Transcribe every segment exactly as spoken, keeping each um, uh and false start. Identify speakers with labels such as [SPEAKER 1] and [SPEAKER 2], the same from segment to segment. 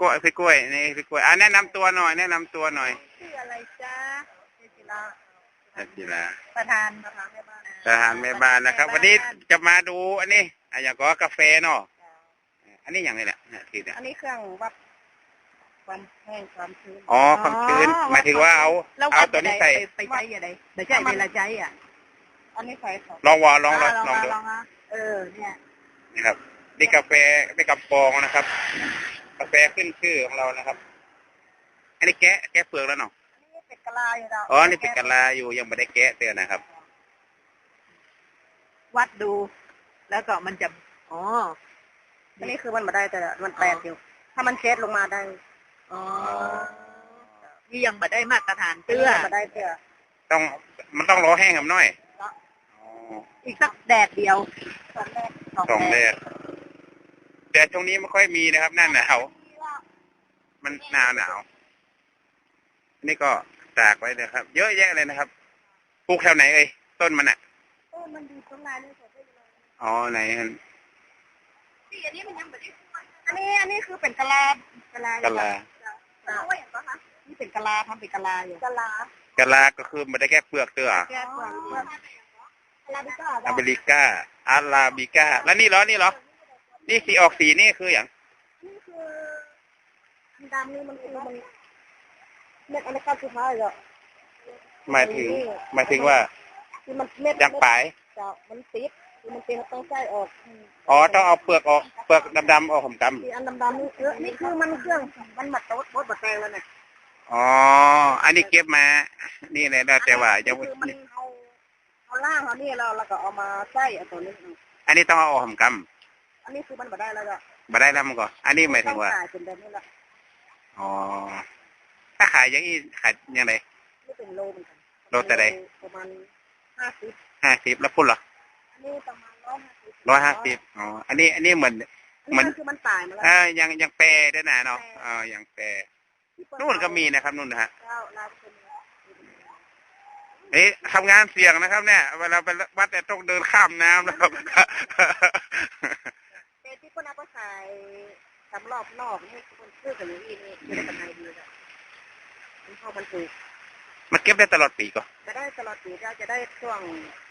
[SPEAKER 1] ล้วยพี่กล้วยนี่พี่กล้วยอ่ะแนะนำตัวหน่อยแนะนำตัวหน่อย
[SPEAKER 2] ชื่ออะไรจ้าเจจิลา
[SPEAKER 1] เจจิลา
[SPEAKER 2] ประธานประธานแม่บ้าน
[SPEAKER 1] ประธานแม่บ้านนะครับวันนี้จะมาดูอันนี้อ่ะอย่างก็กาแฟเนาะอันนี้อย่างไรแหละทีเนี้ย
[SPEAKER 2] อันนี้เครื่องวัดความแห้งความชื้น
[SPEAKER 1] อ๋อความชื้นหมายถึงว่าเอาเอาตัวนี้ใส่
[SPEAKER 2] ไปใช้อะไรเดี๋ยวใช้เวลาใช้อ่ะอันนี้ใส่
[SPEAKER 1] ลองวอลองลองลองดู
[SPEAKER 2] เออเนี่ย
[SPEAKER 1] นี่ครับนี่กาแฟนี่กระป๋องนะครับกาแฟขึ้นชื่อของเรานะครับอันนี้แกะแกะเปลือกแล้วเนาะ
[SPEAKER 2] นี่เป็ดกะลาอยู่เรา
[SPEAKER 1] อ๋อนี่เป็ดกะลาอยู่ยังไม่ได้แกะเตือนนะครับ
[SPEAKER 2] วัดดูแล้วก็มันจะอ๋ออันนี้คือมันมาได้แต่มันแตกอยู่ถ้ามันเช็ดลงมาได้อ๋อนี่ยังมาได้มาตรฐานเตื้อมาได้เตื้อ
[SPEAKER 1] ต้องมันต้องรอแห้งกับน้อย
[SPEAKER 2] อีกสักแดดเดียวสองแดด
[SPEAKER 1] สองแดดแต่ช่วงนี้ไม่ค่อยมีนะครับหน้าหนาวมันหนาวหนาวนี่ก็ตากไว้เลยครับเยอะแยะเลยนะครับปลูกแถวไหนเอ่ยต้นมันอ่ะ
[SPEAKER 2] ต้นมันอยู่ตรงไหนเลย
[SPEAKER 1] อ๋อไหนอัน
[SPEAKER 2] นี่อันนี้มันยังแบบอันนี้อันนี้คือเป็นกะลากะลาก
[SPEAKER 1] ะลา
[SPEAKER 2] ว่าอย่างไรคะนี่เป็นกะลาทำเป็นกะลาอยู่กะลาก
[SPEAKER 1] ะลาก็คือไม่ได้แค่เปลือกเตื้อ
[SPEAKER 2] แก้เปลือก
[SPEAKER 1] อเมริกาอาราบิก้าแล้วนี่เหรอนี่เหรอนี่สีออกสีนี่คืออย่าง
[SPEAKER 2] นี่คือดำนี่มันคือมันเม็ดอันนี้ก็สุดท้ายเหรอ
[SPEAKER 1] หมายถึงหมายถึงว่าอย่างปลาย
[SPEAKER 2] มันติดมันเป็นต้องใช้ออก
[SPEAKER 1] อ๋อต้องเอาเปลือกออกเปลือกดำๆออกผมดำ
[SPEAKER 2] อันดำๆนี่เออนี่คือมันเครื่องมันหมัดโต๊ดโต๊ดบัดแตงแล้วเนี่ย
[SPEAKER 1] อ๋ออันนี้เก็บมานี่เลยนะแต่ว่ายัง
[SPEAKER 2] มันเอาเอาล่างเอานี่เราแล้วก็เอามาใส่เอาตัวนี้
[SPEAKER 1] อันนี้ต้องเอาออกผมก
[SPEAKER 2] ำอันนี้คือมันบัดได้แล้วก็
[SPEAKER 1] บัดได้แล้วมันก็อันนี้หมายถึงว่า
[SPEAKER 2] เป็นแบบนี้ละ
[SPEAKER 1] อ๋อถ้าขายอย่างนี้ขายยังไง
[SPEAKER 2] นี่เป็นโลเหมือนกัน
[SPEAKER 1] โลแต่ใด
[SPEAKER 2] ประมาณห้าสิบ
[SPEAKER 1] ห้าสิบแล้วพุ่นเหรอ
[SPEAKER 2] อันนี้ประมาณร้อยห้าสิบ
[SPEAKER 1] ร้อยห้าสิบอ๋ออันนี้อันนี้เหมือน
[SPEAKER 2] มันคือมันตายมาแล้ว
[SPEAKER 1] อ่ายังยังแปรได้นะเนาะอ่ายังแปรนู่นก็มีนะครับนู่นนะฮะเฮ้ยทำงานเสี่ยงนะครับเนี่ยเวลาไปวัดแต่ต้องเดินข้ามน้ำนะครับ
[SPEAKER 2] เด็กที่คนนับก็ใส่สำรอบนอกนี่คนซื้อกันอยู่นี่นี่จะได้กำไรดีเลยมันเข้ามันถูก
[SPEAKER 1] มันเก็บได้ตลอดปีก็
[SPEAKER 2] จะได้ตลอดปีเราจะได้ช่วง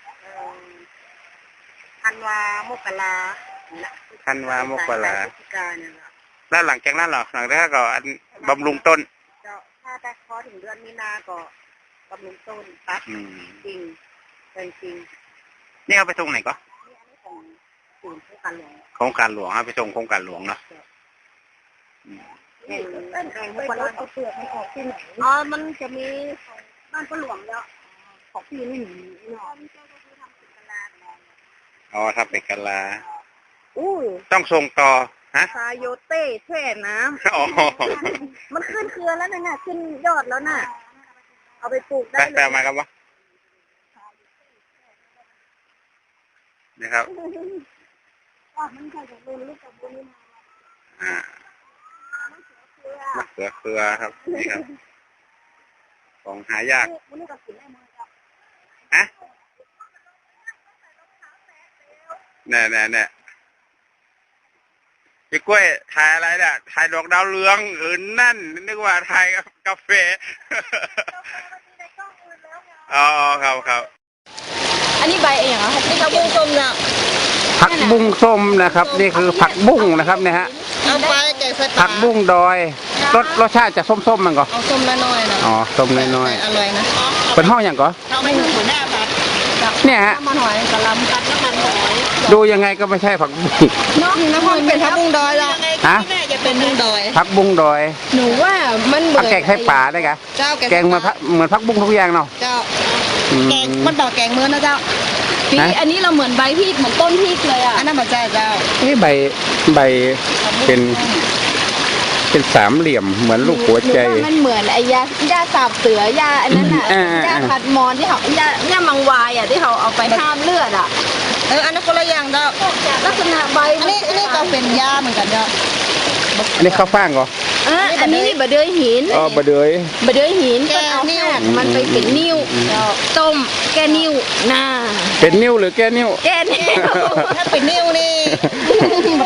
[SPEAKER 2] ธันวามกรา
[SPEAKER 1] ธันวามกราแล้วหลังจากนั้นหรอหลังจากนั้นก็บำรุงต้น
[SPEAKER 2] ถ้าแต่พอถึงเดือนมีนาก็บำรุงต้นตัดจริงเป็นจริง
[SPEAKER 1] นี่เอาไปส่งไหนก็
[SPEAKER 2] นี่อันนี้ของศูนย์โครงการหลวง
[SPEAKER 1] โครงการหลวงไปส่งโครงการหลวงเนาะ
[SPEAKER 2] แห่งแห่งคนเอาเปลือกไม่ออกที่ไหนอ๋อมันจะมีบ้านก็หลวงแล้วของพี่นี่เนาะ
[SPEAKER 1] อ๋อทำเป็นกะลา
[SPEAKER 2] อู้
[SPEAKER 1] ต้องส่งต่อฮะ
[SPEAKER 2] คาโยเต้แช่น้ำ
[SPEAKER 1] อ๋อ
[SPEAKER 2] มันขึ้นเครือแล้วน่ะขึ้นยอดแล้วน่ะเอาไปปลูกได้เลย
[SPEAKER 1] แต่มาครับวะนะครับ
[SPEAKER 2] มันใช่จากรุ่นลูกกับรุ่นนี้มา
[SPEAKER 1] อ่า
[SPEAKER 2] มะ
[SPEAKER 1] เขือเครือครับนี่ครับของหายากฮะแน่แน่แน่พี่กล้วยถ่ายอะไรเนี่ยถ่ายดอกดาวเรืองอื่นนั่นนึกว่าถ่ายกาแฟอ๋อครับครับ
[SPEAKER 2] อันนี้ใบเองเหรอครับนี่ผักบุ้งส้มนะ
[SPEAKER 1] ผักบุ้งส้มนะครับนี่คือผักบุ้งนะครับเนี่ยฮะ
[SPEAKER 2] เอาไปแกงใส่
[SPEAKER 1] ผักบุ้งดอยรสรสชาติจะส้มๆมันก็
[SPEAKER 2] เอาส้มน้อยๆนะ
[SPEAKER 1] อ๋อส้มน้อย
[SPEAKER 2] ๆอร่อยนะ
[SPEAKER 1] เป็นห้องอย่างก็
[SPEAKER 2] ไม่ถึงหัวหน้าผัด
[SPEAKER 1] เนี่ยฮะ
[SPEAKER 2] มันหอยกะลำกัดน้ำมันหอย
[SPEAKER 1] ดูยังไงก็ไม่ใช่ผักบุ้ง
[SPEAKER 2] นอกน้ำมันเป็นผักบุ้งดอยละ
[SPEAKER 1] ฮะ
[SPEAKER 2] จะเป็นบุ้งดอย
[SPEAKER 1] ผักบุ้งดอย
[SPEAKER 2] หนูว่ามันเหมือน
[SPEAKER 1] แกงไข่ปลาได้กะ
[SPEAKER 2] เจ้า
[SPEAKER 1] แกงเหมือนเหมือนผักบุ้งทุกอย่างเนาะ
[SPEAKER 2] เจ้าแกงมันต่อแกงเมือนนะเจ้าพี่อันนี้เราเหมือนใบพริกเหมือนต้นพริกเลยอ่ะอันนั้นมันเจ้าเจ้า
[SPEAKER 1] นี่ใบใบเป็นเป็นสามเหลี่ยมเหมือนลูกหัวใจ
[SPEAKER 2] มันเหมือนไอ้ยายาสาบเสือยาอันนั้นอ่ะยาผัดมอนที่เขายายามังวายอ่ะที่เขาเอาไปห้ามเลือดอ่ะเอออันนั้นคนละอย่างเจ้าลักษณะใบอันนี้อันนี้ก็เป็นยาเหมือนกันเจ้า
[SPEAKER 1] อันนี้ข้าวฟ่างเหรอ
[SPEAKER 2] อ่าอันนี้นี่บะเดยหิน
[SPEAKER 1] อ๋อบะเดย
[SPEAKER 2] บะเดยหินก็เอานิ้วมันไปเป็นนิ้วต้มแกนิ้วน่า
[SPEAKER 1] เป็นนิ้วหรือแกนิ้ว
[SPEAKER 2] แกนิ้วถ้าเป็นนิ้วนี่มันก็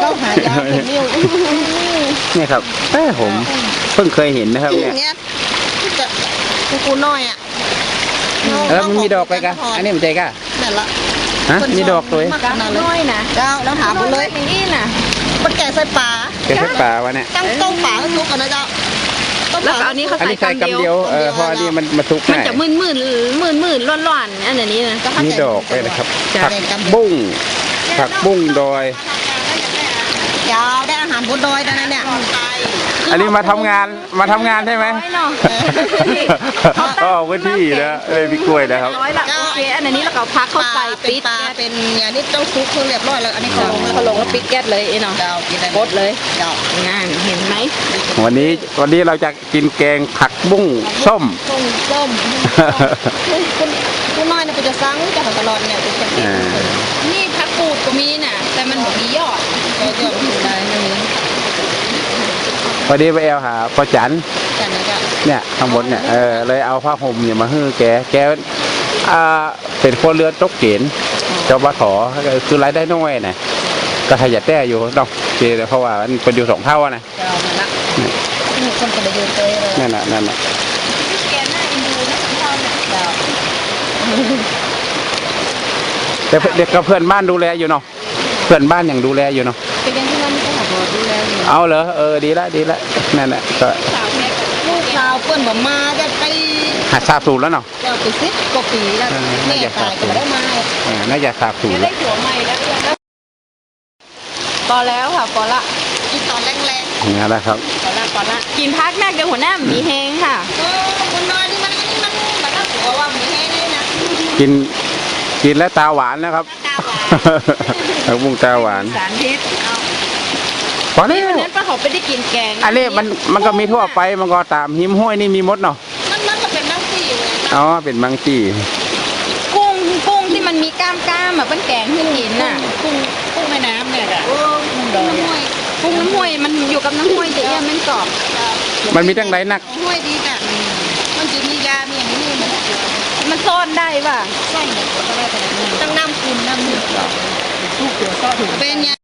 [SPEAKER 2] หายาเป็นนิ้ว
[SPEAKER 1] เนี่ยครับเอ้ยผมเพิ่งเคยเห็นนะครับเนี่ย
[SPEAKER 2] เนี่ยจะกูน้อยอ่ะ
[SPEAKER 1] เออมันมีดอกไปกะอันนี้มันใจกะ
[SPEAKER 2] นั่นละ
[SPEAKER 1] ฮะมีดอกตัว
[SPEAKER 2] มากขนาดเลย
[SPEAKER 3] น้อยนะ
[SPEAKER 2] เจ้าแล้วหาไปเลย
[SPEAKER 3] อย่างนี้นะ
[SPEAKER 2] มันแก่ใส่ปลา
[SPEAKER 1] แกใช้ปลาวะเนี่ย
[SPEAKER 2] ตั้งต้มปลาให้สุกกันนะเจ้าต้มป
[SPEAKER 3] แล้ว
[SPEAKER 2] ลา
[SPEAKER 3] ก็เอานี้เขา
[SPEAKER 1] อัน
[SPEAKER 3] ใส่
[SPEAKER 1] นี้ใส่
[SPEAKER 3] กำ
[SPEAKER 1] กำ
[SPEAKER 3] เดี
[SPEAKER 1] เดี
[SPEAKER 3] ย
[SPEAKER 1] ยว วเออเพราะอันนี้มันมาทุก
[SPEAKER 3] มัน
[SPEAKER 1] ง่าย
[SPEAKER 3] จะมื่นมื่นมื่นมื่นร้อนร้อนๆอันนี้นะ
[SPEAKER 1] มีดอกเลยนะครับผักบุ้งผักบุ้งดอย
[SPEAKER 2] ยาวได้อาหารบนดอยได้นะเนี่ย
[SPEAKER 1] อันนี้มาทำงานมาทำงานใช่ไหม
[SPEAKER 3] น้อยเนาะ
[SPEAKER 1] อ๋อพื้นที่นะเลยพี่กล้วยนะครับ
[SPEAKER 3] น้อยละโอเคอันนี้แล้วก็พักเข้าไปปิด
[SPEAKER 2] ปลาเป็นอย่างนี้ต้องซุกคือเรียบร้อยแล้วอันนี้เขาลง
[SPEAKER 3] เขาลงแล้วปิดแก๊สเลยไอ้เนาะ
[SPEAKER 2] เจ้ากินได้
[SPEAKER 3] กดเลย
[SPEAKER 2] เจ้าง
[SPEAKER 3] านเห็นไหม
[SPEAKER 1] วันนี้วันนี้เราจะกินแกงผักบุ้งส้ม
[SPEAKER 2] ส้มส้มคุณคุณน้อยเนี่ยไปจะสั่งจะทำตลอดเนี่ยเป็น
[SPEAKER 1] อ่า
[SPEAKER 3] นี่พักปูดก็มีน่ะแต่มันบอกมียอด
[SPEAKER 2] เยอะๆได้ไม่มี
[SPEAKER 1] พอดีไปแอลหาประจัน
[SPEAKER 2] แต่นะจ๊ะ
[SPEAKER 1] เนี่ยข้างบนเนี่ยเออเลยเอาผ้าห่มเนี่ยมาฮื้อแกแกอ่าเป็นคนเรือตกเกณฑ์เจ้าบ้าขอคือรายได้น้อยนะก็ขยันแต่อยู่เนาะเจเพราะว่ามันเป็นอยู่สองเท่าอะนะ
[SPEAKER 2] เจ้ามาละนี่คนก็ไปยืนเตยเลย
[SPEAKER 1] นั่นน่ะนั่นน่ะ
[SPEAKER 3] แกน่าเอ็นดูนะของเราเนี่ย
[SPEAKER 2] เจ้า
[SPEAKER 1] แต่เพื่อนเด็กกับเพื่อนบ้านดูแลอยู่เนาะเพื่อนบ้านอย่างดูแลอยู่เนาะ
[SPEAKER 3] เป็นยังที่นั่นก็ขอดูแลอยู่
[SPEAKER 1] เอาเหรอเออดีละดีละนั่นแหละก็
[SPEAKER 3] สาวแม่กับ
[SPEAKER 2] ลูกสาวเปิ้นบอกมาจะไป
[SPEAKER 1] หาทราบสูตรแล้วเนาะ
[SPEAKER 2] เจ้าไปสิบกว่าปีแล้วแม่ตายก็ไม่ได้มา
[SPEAKER 1] เออน่าจะทราบสูตร
[SPEAKER 3] จะ
[SPEAKER 1] แล้
[SPEAKER 3] ได้
[SPEAKER 1] ว
[SPEAKER 3] ผัวใหม่แล้วพอแล้วค่ะพอละ
[SPEAKER 2] อีตอนแรง
[SPEAKER 1] นี่แหละครับ
[SPEAKER 3] พอละพอละกินพักแม่กับหัวหน้ามีแฮงค่ะ
[SPEAKER 2] ๆเออคนน้อยนี่มันมันมันน่าหัวว่ามีแห้งเลยนะ
[SPEAKER 1] กินกินแล้วตาหวานนะครับ
[SPEAKER 2] ตาหวาน
[SPEAKER 1] ผักบุ้งตาหวาน
[SPEAKER 3] สารพิษ
[SPEAKER 1] พอแล้
[SPEAKER 3] นี่วัน
[SPEAKER 1] ว
[SPEAKER 3] นั้นป้าเขาไปได้กินแกง
[SPEAKER 1] อันนี้มันมันก็มีทั่วไปมันก็ตามหิมห้วยนี่มีมดเนาะ
[SPEAKER 2] มันมันก็เป็นบางที่อยู่นะ
[SPEAKER 1] อ๋อเป็นบางจี
[SPEAKER 3] กุ้งกุ้งที่มันมีกล้ามกล้ามอ่ะเป็นแกงให้กินน่ะ
[SPEAKER 2] กุ้งกุ้งแม่น้ำเนี่ยจ้ะโอ้กุ้งดอย
[SPEAKER 3] กุ้งน้ำห้วยมันอยู่กับน้ำห้วยจะเอี้ยมันกรอบ
[SPEAKER 1] มันมีตั้งไรนัก
[SPEAKER 2] ห้วยดีจ้ะมันจะมียามีอย่างนี้มัน
[SPEAKER 3] มันซ่อนได้ป่ะ
[SPEAKER 2] ใช่เนี่ยก็ได้แต่ต้องน้ำคุณน้ำหนึ่งเป็นยา